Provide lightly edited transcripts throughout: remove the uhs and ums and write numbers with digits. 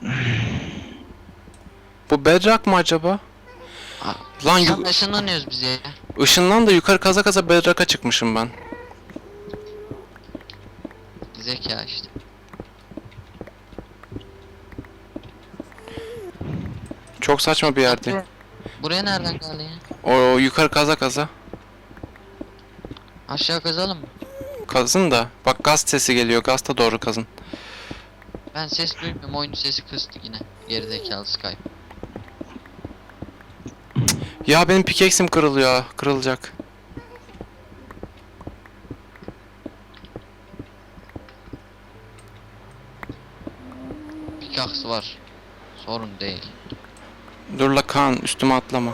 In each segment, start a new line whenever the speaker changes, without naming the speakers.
Bu bedrock mı acaba? Lan
Tam ışınlanıyoruz biz ya.
ışından da yukarı kaza kaza bedrock'a çıkmışım ben.
Zeka işte.
Çok saçma bir yerde.
Buraya nereden geldi ya?
O yukarı kaza kaza.
Aşağı kazalım mı?
Kazın da. Bak gaz sesi geliyor. Gazta doğru kazın.
Ben ses duymuyorum. Oyun sesi kıstı yine. Gerizekalı Skype.
Ya benim pickaxe'im kırılıyor. Kırılacak.
Pickaxe var. Sorun değil.
Dur la Kaan, üstüme atlama.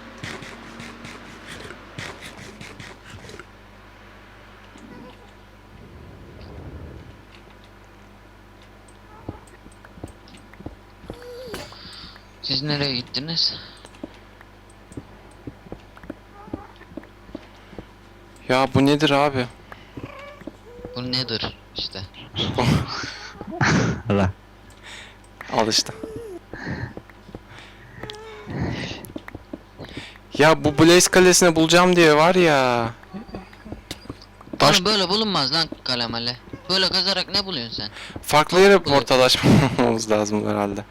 Siz nereye gittiniz?
Ya bu nedir abi?
Bu nedir işte.
Allah.
Al işte. Ya bu Blaze Kalesi'ni bulacağım diye var ya. Taş
Oğlum böyle bulunmaz lan kalemale. Böyle kazarak ne buluyorsun sen?
farklı yere portal açmamız lazım herhalde.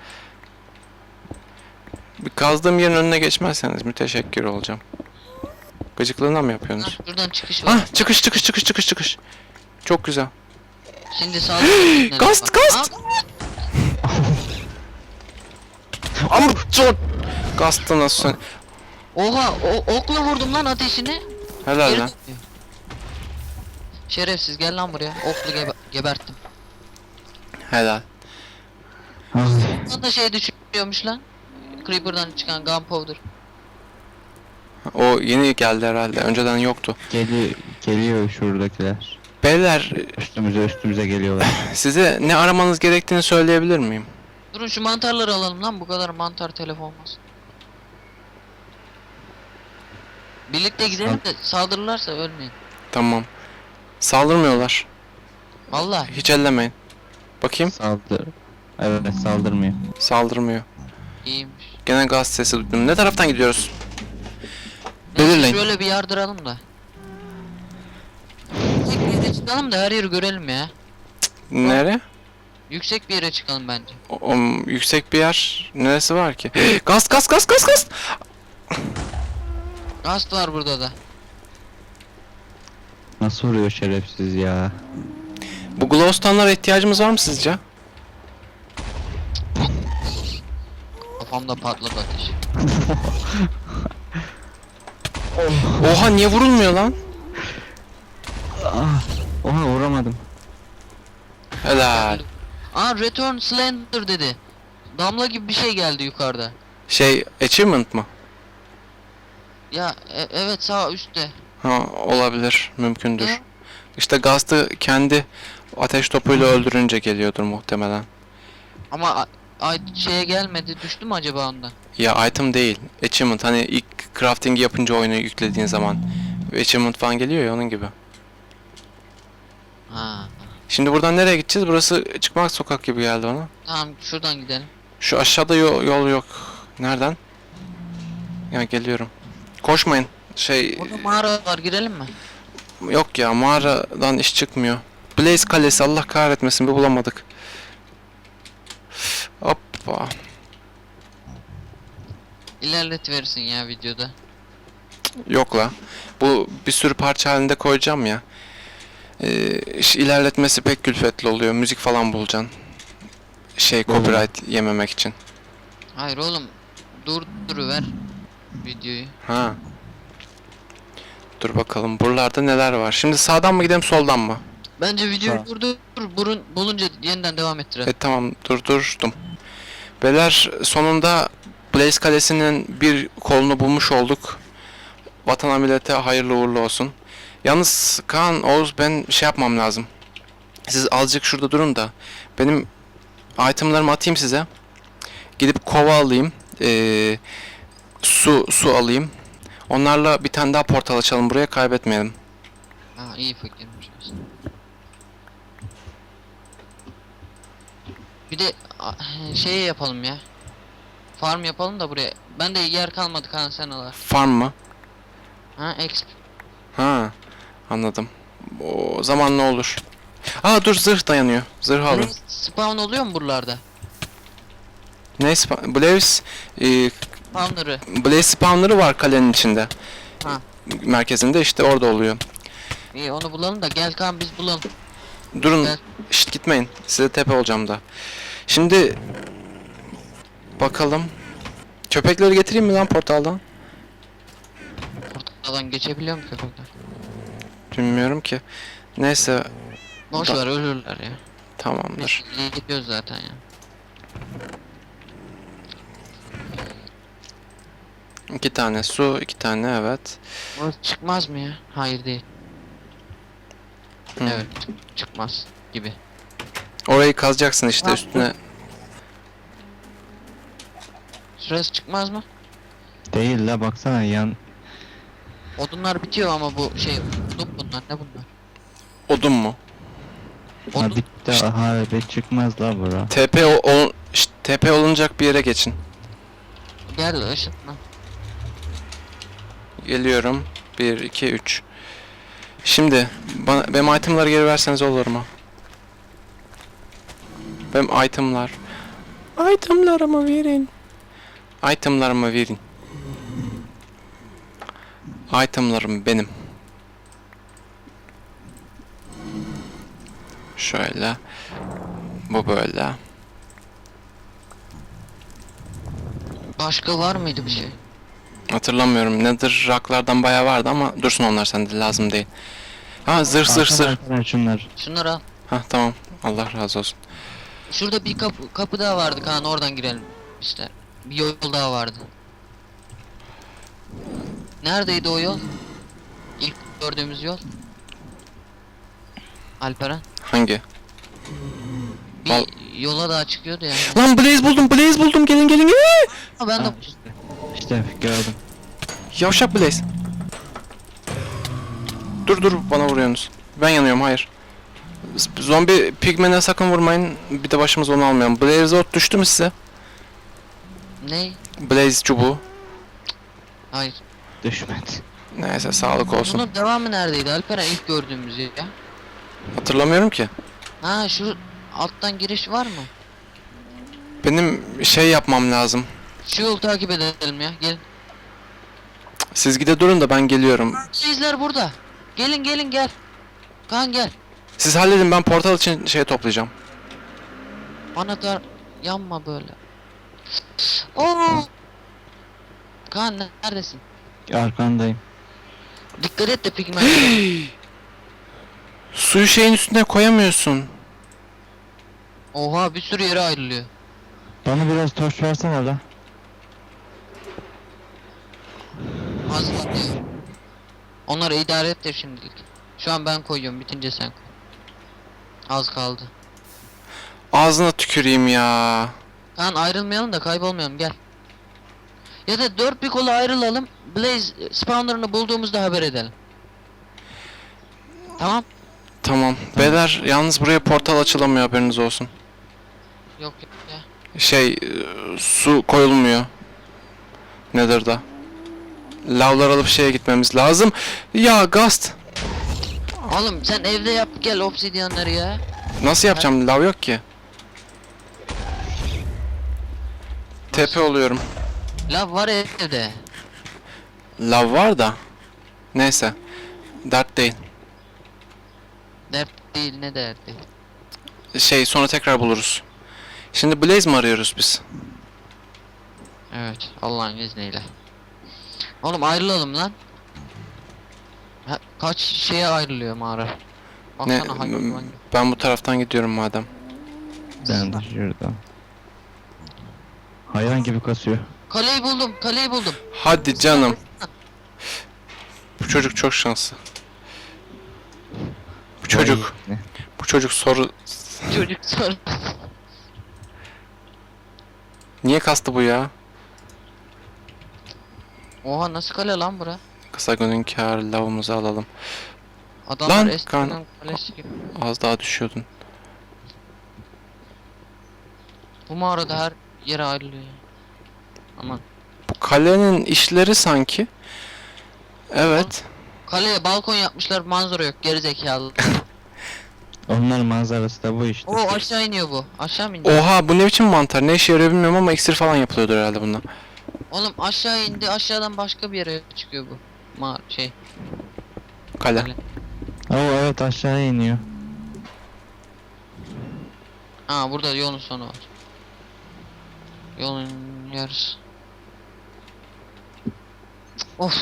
Bir kazdığım yerin önüne geçmezseniz müteşekkir olacağım. Gıcıklığına mı yapıyorsunuz?
Lan şuradan çıkış var.
Ah, çıkış. Çok güzel.
Şimdi saldırı.
Gast! Ama çok Gast'ı nasıl?
Oha okla vurdum lan ateşini.
Helal
Geri
lan.
dönüyor. Şerefsiz gel lan buraya. Oklu geberttim.
Helal.
Lan da şey düşüyormuş lan. Creeper'dan çıkan gunpowder.
O yeni geldi herhalde. Önceden yoktu.
Geliyor şuradakiler.
Beyler,
Üstümüze geliyorlar.
size ne aramanız gerektiğini söyleyebilir miyim?
Durun şu mantarları alalım lan, bu kadar mantar telef olmaz. Birlikte gidelim de saldırırlarsa ölmeyin.
Tamam. Saldırmıyorlar.
Vallahi.
Hiç ellemeyin. Bakayım.
Evet, saldırmıyor.
Saldırmıyor.
İyiymiş.
Gene gaz sesi duydum. Ne taraftan gidiyoruz?
Neyse,
Belirleyin.
şöyle bir yardıralım da. Yüksek bir yere çıkalım da her yeri görelim ya.
Nere?
Yüksek bir yere çıkalım bence.
Yüksek bir yer. Neresi var ki? Gaz!
Gast var burada da.
Nasıl vuruyor şerefsiz ya?
Bu glowstone'lara ihtiyacımız var mı sizce?
Kafamda patladı ateş.
Oha, niye vurulmuyor lan?
Oha, vuramadım.
Helal.
Aa, return slender dedi. Damla gibi bir şey geldi yukarıda.
Şey, achievement mı?
Ya evet, sağ üstte.
Ha, olabilir. Mümkündür.
Ne?
İşte Gast'ı kendi ateş topuyla öldürünce geliyordur muhtemelen.
Ama şeye gelmedi, düştü mü acaba ondan?
Ya item değil. Achievement, hani ilk crafting yapınca oyunu yüklediğin zaman achievement falan geliyor ya, onun gibi.
Ha.
Şimdi buradan nereye gideceğiz? Burası çıkmak sokak gibi geldi bana.
Tamam, şuradan gidelim.
Şu aşağıda yol yok. Nereden? Ya geliyorum. Koşmayın.
Burada mağara var, girelim mi?
Yok ya, mağaradan iş çıkmıyor. Blaze Kalesi, Allah kahretmesin, bir bulamadık. Hoppa.
İlerletiverirsin ya videoda.
Yok la. Bu bir sürü parça halinde koyacağım ya. İlerletmesi pek külfetli oluyor. Müzik falan bulacaksın. Copyright yememek için.
Hayır oğlum, durduruver videoyu.
Ha. Dur bakalım buralarda neler var. Şimdi sağdan mı gidelim, soldan mı?
Bence videoyu
Tamam.
bulunca yeniden devam ettirelim.
Tamam, durdurdum. Beyler, sonunda Blaze Kalesi'nin bir kolunu bulmuş olduk. Vatana millete hayırlı uğurlu olsun. Yalnız Kaan, Oğuz, ben şey yapmam lazım. Siz azıcık şurada durun da benim itemlarımı atayım size. Gidip kova alayım. Su alayım. Onlarla bir tane daha portal açalım, buraya kaybetmeyelim.
Ha, iyi fikirmiş aslında. Bir de şey yapalım ya. Farm yapalım da buraya. Ben de yer kalmadı kan senalar.
Farm mı?
Ha exp.
Ha, anladım. O zaman ne olur? Aa dur, zırh dayanıyor. Zırh alın.
Spawn oluyor mu buralarda?
Blaze
Spawner'ı.
Blaze spawner'ı var kalenin içinde.
Ha.
Merkezinde işte orada oluyor.
İyi onu bulalım da gel kan biz bulalım.
Durun.
Gel.
Şşt gitmeyin. Size tepe olacağım da. Şimdi bakalım. Köpekleri getireyim mi lan portaldan?
Portaldan geçebiliyor mu köpekler?
Bilmiyorum ki. Neyse,
Boş ver ölürler ya.
tamamdır.
Biz gidiyoruz zaten ya.
İki tane su, iki tane evet.
Burası çıkmaz mı ya? Hayır değil.
Hı.
Evet çıkmaz gibi.
Orayı kazacaksın işte
Ha,
üstüne.
Şurası çıkmaz mı?
Değil la, baksana yan.
Odunlar bitiyor ama bu şey odun bunlar ne bunlar?
Odun mu?
Ha
Odun
bitti, harbi çıkmaz la bura.
TP olunacak bir yere geçin.
gel ışınla.
Geliyorum. 1, 2, 3. Şimdi benim itemları geri verseniz olur mu? Benim itemlar. Itemlarımı verin. Itemlarımı verin. Itemlarım benim. Şöyle. Bu böyle.
Başka var mıydı bir şey?
Hatırlamıyorum. Nedir raklardan bayağı vardı ama dursun onlar sende, lazım değil. Ha, zırh.
Arkadaşlar şunlar.
Şunları al.
Ha tamam. Allah razı olsun.
Şurada bir kapı daha vardı kan oradan girelim işte. Bir yol daha vardı. Neredeydi o yol? İlk gördüğümüz yol. Alperen.
Hangi?
Bir
Val-
yola daha çıkıyordu ya.
Lan Blaze buldum. Gelin.
Ha, ben de
Ha, İşte gördüm.
Yavşak Blaze. Dur bana vuruyorsunuz. Ben yanıyorum, hayır. Zombi pigmene sakın vurmayın. Bir de başımız onu almayalım. Blaze ot düştü mü size?
ne?
Blaze çubuğu.
Hayır.
Düşmedi.
Neyse, sağlık olsun.
Bunun devamı neredeydi Alperen ilk gördüğümüz ya?
Hatırlamıyorum ki.
Ha şu alttan giriş var mı?
Benim şey yapmam lazım.
Şu yolu takip edelim ya gelin.
Siz gide durun da ben geliyorum.
Sizler burada. Gelin gel. Kan gel.
Siz halledin, ben portal için şey toplayacağım.
Anahtar yanma böyle. Oo. Kaan neredesin?
Arkandayım.
Dikkat et de pigment.
Suyu şeyin üstüne koyamıyorsun.
Oha bir sürü yere ayrılıyor.
Bana biraz toş versene la.
Az kalıyor. Onları idare et de şimdilik. Şu an ben koyuyorum bitince sen koy. Az kaldı.
Ağzına tüküreyim ya.
Kaan ayrılmayalım da kaybolmayalım gel. Ya da dört bir kola ayrılalım. Blaze spawner'ını bulduğumuzda haber edelim. Tamam.
Tamam. Beyler yalnız buraya portal açılamıyor, haberiniz olsun.
Yok ya.
Su koyulmuyor. Nedir da? Lavlar alıp şeye gitmemiz lazım. Ya Gast.
Oğlum sen evde yap gel obsidyanları ya.
Nasıl yapacağım? Lav yok ki. Tepe oluyorum.
Lav var evde.
Lav var da. Neyse. Dert değil.
Dert değil ne dert değil.
Sonra tekrar buluruz. Şimdi Blaze mi arıyoruz biz?
Evet Allah'ın izniyle. Oğlum ayrılalım lan. Ha, kaç şeye ayrılıyor mağara.
Ne?
Baksana hangi.
Ben bu taraftan gidiyorum madem.
Ben de şuradan. Hayvan gibi kasıyor.
Kaleyi buldum.
Hadi canım. Bu çocuk çok şanslı.
Vay.
Bu çocuk soru...
Çocuk sor.
Niye kastı bu ya?
Oha nasıl kale lan bura?
Kısa günün kâr lavımızı alalım.
Adamlar
Lan,
eskiden kalesi gibi.
Az daha düşüyordun.
Bu mağarada her yere ayrılıyor ya. Aman.
Bu kalenin işleri sanki. Evet.
Kaleye balkon yapmışlar, manzara yok, gerizekalı.
Onların manzarası da bu işte.
Oo, aşağı iniyor bu. Aşağı mı indi?
Oha, bu ne biçim mantar? Ne işe yarıyor bilmiyorum ama iksir falan yapılıyordur herhalde bundan.
Oğlum aşağı indi, aşağıdan başka bir yere çıkıyor bu.
Kale.
Kale.
Oo evet, aşağıya iniyor.
Ha, burada yolun sonu var. Yolun yarısı. Of.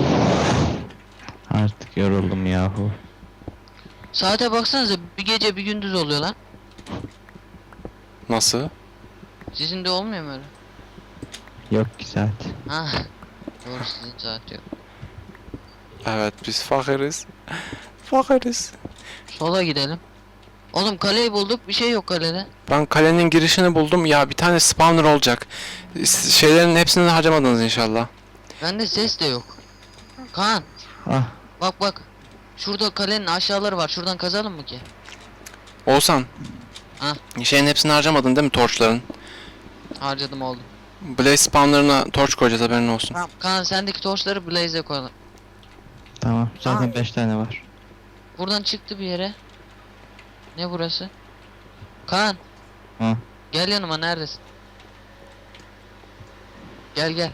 Artık yoruldum yahu.
Saate baksanıza, bir gece bir gündüz oluyor lan.
Nasıl?
Sizin de olmuyor mu öyle?
Yok ki saat.
Ha. Doğru, sizin saat yok.
Evet, biz fakiriz. Fakiriz.
Sola gidelim. Oğlum kaleyi bulduk, bir şey yok kalede.
Ben kalenin girişini buldum. Ya bir tane spawner olacak. Şeylerin hepsini harcamadınız inşallah.
Bende ses de yok. Kaan,
Ah,
bak bak. Şurada kalenin aşağıları var. Şuradan kazalım mı ki?
Oğuzhan.
Ha?
Şeyin hepsini harcamadın değil mi torçların?
Harcadım oldu.
Blaze spawnlarına torç koyacağız, haberin olsun.
Tamam Kaan, sendeki torçları Blaze'e koyalım.
tamam. Zaten 5 tane var.
Buradan çıktı bir yere. Ne burası? Kaan.
Ha.
Gel yanıma, neredesin? Gel gel.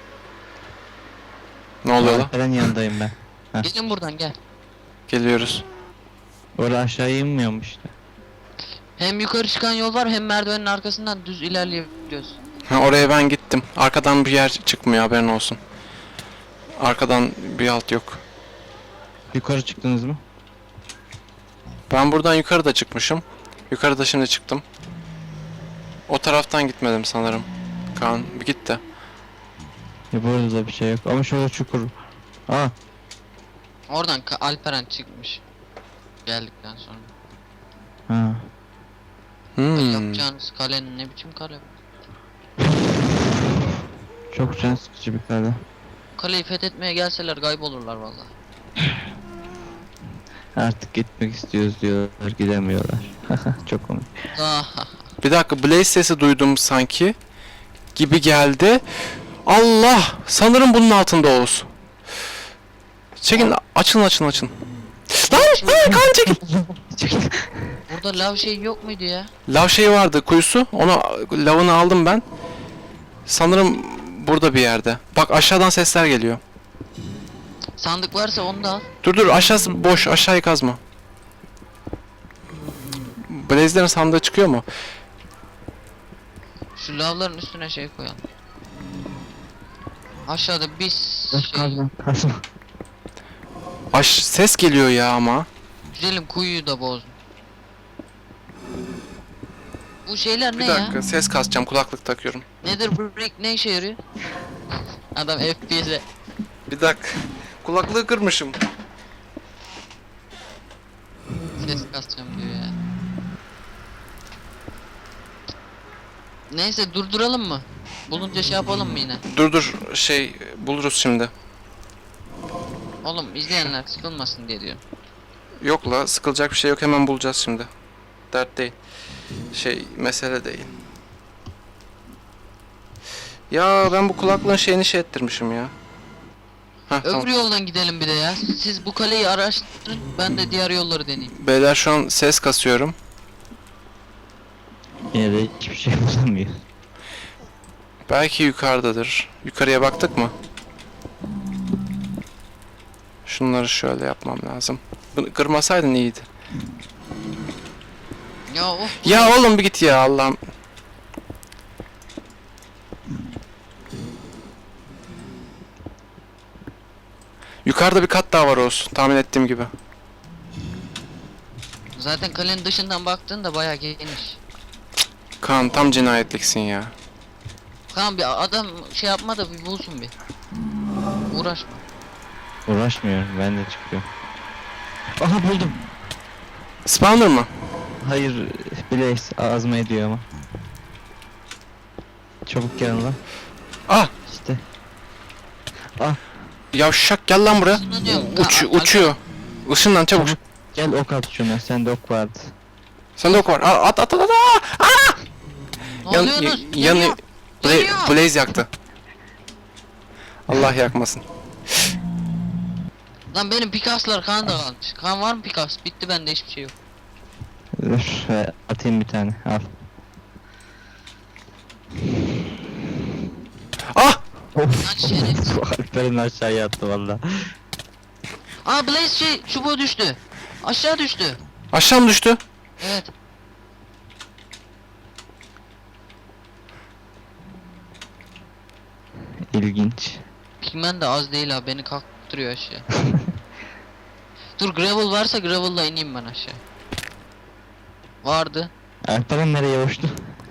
Ne oluyor lan?
Alperen yanındayım ben. Heh.
Gelin buradan gel.
Geliyoruz.
Oraya aşağı inmiyormuş işte.
Hem yukarı çıkan yol var, hem merdivenin arkasından düz ilerleyebiliyoruz.
Ha, oraya ben gittim. Arkadan bir yer çıkmıyor, haberin olsun. Arkadan bir alt yok.
Yukarı çıktınız mı?
Ben buradan yukarıda çıkmışım. Yukarıda şimdi çıktım. O taraftan gitmedim sanırım. Kaan bir git de.
Burada da bir şey yok. Ama şurada çukur. Aa,
Oradan Alperen çıkmış. Geldikten sonra.
ha.
Yapacağınız kalenin ne biçim kale bu?
Çok can sıkıcı bir kale.
Kaleyi fethetmeye gelseler kaybolurlar vallahi.
Artık gitmek istiyoruz diyorlar, gidemiyorlar. Çok komik.
Ah,
Bir dakika, Blaze sesi duydum sanki. Gibi geldi. Allah! Sanırım bunun altında Oğuz. Çekin, açın açın açın. Lan! Hayır, Kaan çekil!
burada lav şey yok muydu ya?
Lav şeyi vardı, kuyusu. Onu, lavını aldım ben. Sanırım burada bir yerde. Bak, aşağıdan sesler geliyor.
Sandık varsa onu da al.
Dur dur, aşağısı boş, aşağıyı kazma. Blaze'lerin sandığı çıkıyor mu?
Şu lavların üstüne şey koyalım. Aşağıda bir
Kazma, kazma.
Ses geliyor ya ama.
güzelim, kuyuyu da bozdum. Bu şeyler
Bir
ne
dakika,
ya?
ses kasacağım, kulaklık takıyorum.
Nedir bu brick, ne işe yarıyor? Adam FPS'e.
Bir dakika. Kulaklığı kırmışım.
Ses kasacağım diyor ya. Neyse, durduralım mı? Bulunca şey yapalım mı yine?
Dur dur, buluruz şimdi.
Oğlum izleyenler sıkılmasın diye diyorum.
Yok la, sıkılacak bir şey yok, hemen bulacağız şimdi. Dert değil. Mesele değil. Ya ben bu kulaklığın şeyini ettirmişim ya. Heh,
Öbür
tamam.
yoldan gidelim bir de ya. Siz bu kaleyi araştırın, ben de diğer yolları deneyeyim.
Beyler, şu an ses kasıyorum.
Yine de hiçbir şey bulamıyor.
Belki yukarıdadır. Yukarıya baktık mı? Şunları şöyle yapmam lazım. Bunu kırmasaydın iyiydi.
Ya of.
Ya oğlum bir git ya, Allah'ım. Yukarıda bir kat daha var olsun, tahmin ettiğim gibi.
Zaten kalenin dışından baktığında bayağı geniş.
Kaan, tam cinayetliksin ya.
Tamam, bir adam şey yapma da bir bulsun bir. Uğraşma.
Uğraşmıyorum, ben de çıkıyorum. Aha, buldum.
Spawner mı?
Hayır, Blaze azma ediyor ama. Çabuk gel lan.
Ah!
İşte.
Yavşak, gel lan buraya.
Isınlanıyorum.
Uçuyor. Işınlan çabuk.
Gel ok at şuna, sende ok vardı.
Sende ok var. At at at at. Aa!
Ne oluyorsunuz? Yanıyor. Yanıyor.
Blaze yaktı. Allah yakmasın.
Lan benim pikaslar kan da kalmış. Kan var mı pikas? Bitti bende hiçbir şey yok.
Dur atayım bir tane. Al.
Ah!
Lan şerefsiz.
Alper'in aşağıya attı valla.
Aa Blaze çubuğu düştü. Aşağı düştü.
Aşağı mı düştü?
Evet.
İlginç.
Pigmen de az değil ha, beni kalktırıyor aşağı. Dur, gravel varsa gravel'la ineyim ben aşağı. Vardı.
Alper'in nereye uçtu?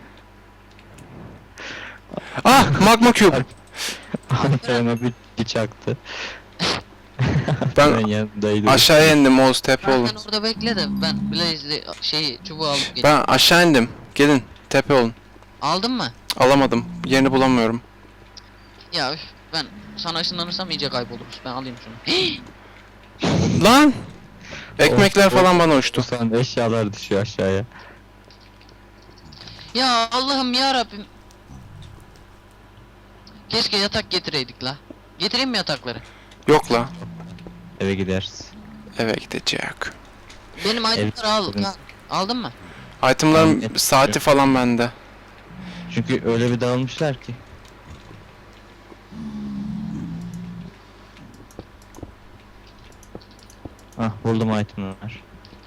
Ah! Magma cube.
Alper'in bir çaktı.
Ben
yanındaydım.
aşağıya indim Oğuz, tepe olun.
Sen orada bekle de ben Blaze'li çubuğu alıp geleyim.
Ben aşağı indim. Gelin tepe olun.
Aldın mı?
Alamadım. Yerini bulamıyorum.
Ya üf, ben sana ışınlanırsam iyice kayboluruz. Ben alayım şunu.
Lan! Ekmekler
Of,
falan
of.
bana
Bu
uçtu.
sanda eşyalar düşüyor aşağıya.
Ya Allah'ım ya Rabbim. Keşke yatak getireydik la. Getireyim mi yatakları?
Yok la.
Eve gideriz.
Eve gidecek.
Benim itemleri al.
getiririz.
Ha, aldın mı?
Itemların
Evet.
saati falan bende.
Çünkü öyle bir dağılmışlar ki. Ah buldum itemler.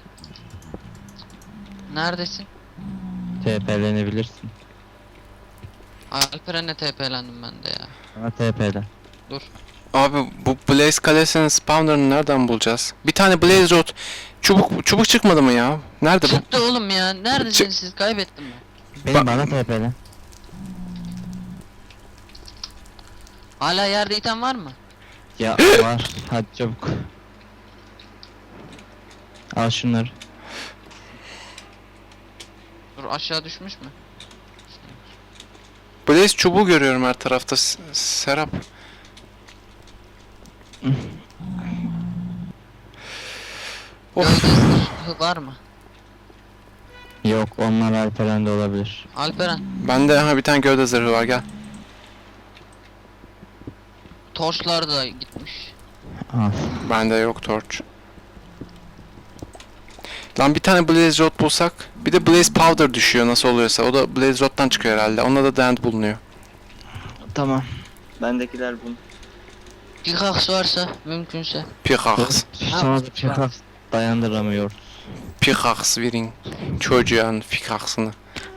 Neredesin?
TP'lenebilirsin.
Alperen'le TP'lendim ben de ya.
Ama TP'len.
Dur.
Abi bu Blaze kalesinin spawner'ını nereden bulacağız? Bir tane Blaze rod. Çubuk çıkmadı mı ya? Nerede bu?
Çıktı oğlum ya. Neredesiniz siz? Kaybettim ben.
Bana TP'len.
Hala yerde item var mı?
Ya var. Hadi çabuk. Al şunları.
Dur, aşağı düşmüş mü?
Blaze çubuğu görüyorum her tarafta. Serap. Of.
Gövde zırhı var mı?
Yok onlar Alperen'de olabilir.
Alperen,
Bende bir tane gövde zırhı var, gel.
torçlar da gitmiş.
Al.
Bende yok torch. Lan bir tane Blaze rod bulsak. Bir de Blaze powder düşüyor nasıl oluyorsa. O da Blaze rod'dan çıkıyor herhalde. Onda da dent bulunuyor.
Tamam. Bendekiler bunu.
Pickaxe varsa mümkünse.
Pickaxe.
Sana da pickaxe dayandıramıyor.
Pickaxe verin. Çocuğun pickaxe'ını.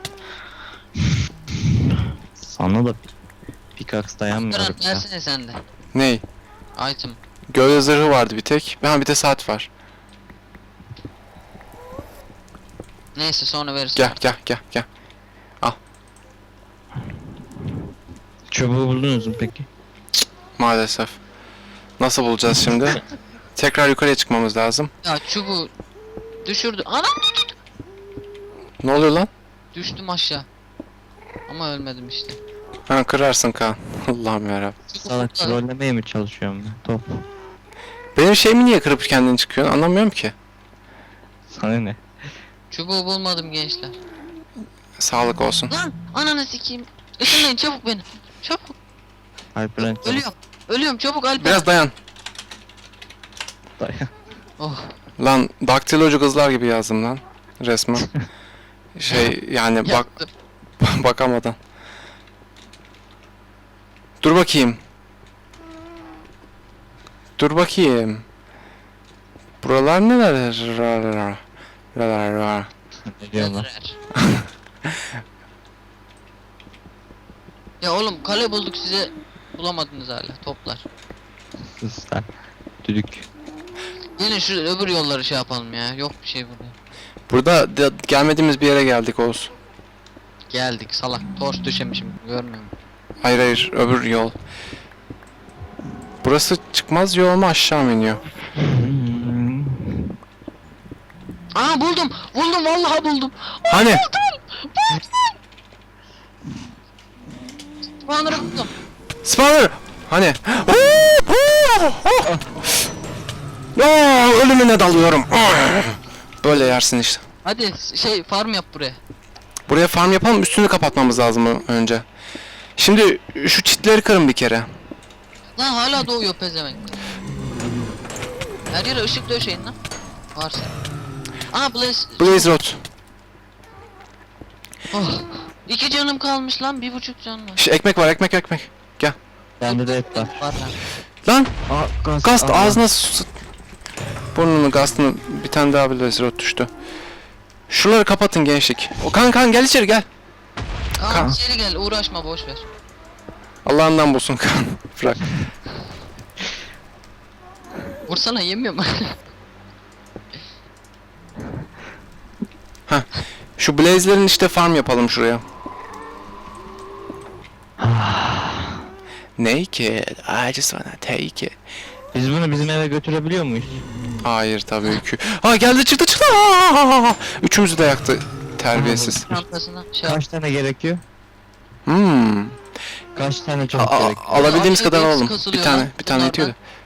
Sana da pickaxe dayanmıyor.
Alperen versene sen de.
Ney?
Item.
Gövde zırhı vardı bir tek. Bir de saat var.
Neyse sonra verirsin.
Gel.
Çubuğu buldunuz mu peki?
Maalesef. Nasıl bulacağız şimdi? Tekrar yukarıya çıkmamız lazım.
Ya çubuğu düşürdü. Anam,
Ne oluyor lan?
düştüm aşağı. Ama ölmedim işte.
Ha, kırarsın Kaan. Allah'ım yarabbim.
Salak trollemeye mi çalışıyorum ben? Top.
Benim şeyimi niye kırıp kendin çıkıyorsun? Anlamıyorum ki.
Sana ne?
Çubuğu bulmadım gençler.
Sağlık olsun.
Lan ananı sikeyim. Işınlayın çabuk beni. Çabuk.
Alperen çabuk
Ölüyorum. Ölüyorum çabuk Alper.
Biraz dayan.
dayan.
Oh.
Lan daktilocu kızlar gibi yazdım lan. Resmen. Yani
Yaktım.
bakamadan. Dur bakayım. Buralar neler?
Ne diyorlar?
Yazar. Ya oğlum kale bulduk size, bulamadınız hala toplar.
Sus lan. Düdük.
Gelin şu öbür yolları şey yapalım ya, yok bir şey burada.
Burada gelmediğimiz bir yere geldik Oğuz.
Geldik salak, torç düşemişim görmüyor musun?
Hayır, öbür yol. Burası çıkmaz yol mu, aşağı mı iniyor?
Aa buldum vallahi buldum.
Hani?
Banner'ı buldum.
Spawner! Hani? Ölümüne dalıyorum. Böyle yersin işte.
Hadi farm yap buraya.
Buraya farm yapalım, üstünü kapatmamız lazım önce. Şimdi şu çitleri kırın bir kere.
Lan hala doğuyor pezevenk. Her yere ışık döşeyin lan. Varsa. Aa
Blaze Rod.
Oh. 2 canım kalmış lan, 1,5 can var.
Ekmek var, ekmek. Gel.
Bende de et var.
Var lan.
Lan
Aa,
Gast
aa.
ağzına burnunu Gast'ını bir tane daha Blaze Rod düştü. Şuraları kapatın gençlik. O kan gel içeri gel.
Kaan
Kaan.
içeri gel, uğraşma, boş ver.
Allah'ından bulsun kan. Bırak.
Vursana, yemiyor mu?
Şu Blaze'lerin işte farm yapalım şuraya. Naked, I just wanna take it.
Biz bunu bizim eve götürebiliyor muyuz?
Hayır tabii ki. Ha geldi çıktı. Aa! Üçümüzü de yaktı. Terbiyesiz.
Çantasına şey
Kaç tane gerekiyor?
Hmm.
Kaç tane çubuk gerekiyor?
Alabildiğimiz
Abi,
kadar
hepsi
alalım.
kasılıyor
Bir tane
lan
bir tane yetiyor da.
bunlardan.